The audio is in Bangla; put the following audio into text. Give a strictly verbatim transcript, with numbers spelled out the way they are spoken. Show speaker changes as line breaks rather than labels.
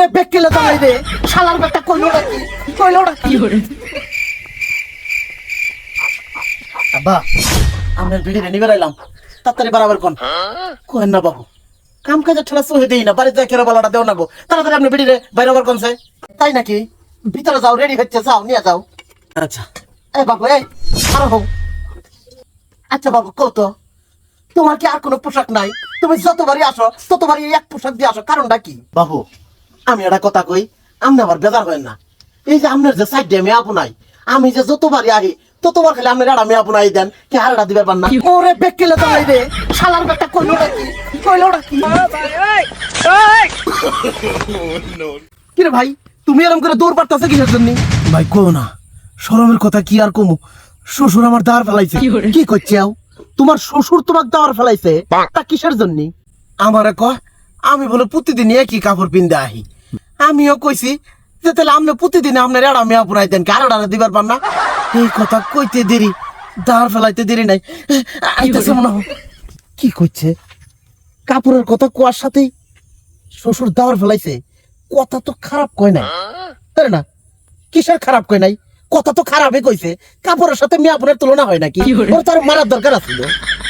ওরে বেকেলে দাঁড়াই রে শালার বেটা কইলো নাকি কইলো নাকি আব্বা আমরা ভিড়ে রেডি বেরাইলাম তাড়াতাড়ি বারাবার কোন কোন না বাবু কাম কাজে ঠেলা সহে দেই না বাড়িতে কেরা বলাটা দেও না গো তাড়াতাড়ি আপনি ভিড়ে বাইরাবার কোনছে তাই নাকি ভিতরে যাও রেডি হচ্ছে যাও নিয়ে যাও আচ্ছা এ বাবু এই আরো হোক আচ্ছা বাবু কত তোমার কি আর কোনো পোশাক নাই তুমি যতবারই আসো ততবারই এক পোশাক দিয়ে আসো কারণটা কি বাবু আমি একটা কথা কই আপনি আবার বেজার হয় না এই যে আপনার যে সাইড মেয়ে আপু নাই আমি যে যতবারই আহি ততবার খালি আপনার একটা মেয়ে আপু নাই দেন কি হারটা দিবার পার না ওরে বেকেলে দাঁড়াই রে শালার বেটা কইলো নাকি কইলো নাকি কিরে ভাই তুমি এরকম করে দৌড় পারতাছে কিসের জন্য ভাই কো না শরমের কথা কি আর কমু শ্বশুর আমার দাঁড় ফেলাইছে কি করছে তোমার শ্বশুর তোমার দাওয়ার ফেলাইছে তা কিসের জন্য আমারে কয় আমি বলে প্রতিদিন একই কাপড় পিনতে আহি আমিও কইছি যে তাহলে আপনি প্রতিদিন আপনার এড়া মেয়া পুরাই দেন কারো ডানা দিবার পার না এই কথা কইতে দেরি দাঁড় ফেলাইতে দেরি নাই আইতেছে মনে হয় কি কইছে কাপড়ের কথা কোয়ার সাথেই শ্বশুর দাওয়ার ফেলাইছে কথা তো খারাপ কয় নাই তাই না কিসের খারাপ কয় নাই কথা তো খারাপই কইছে কাপড়ের সাথে মেয়া পুরের তুলনা হয় নাকি ওর তার মারার দরকার আছিল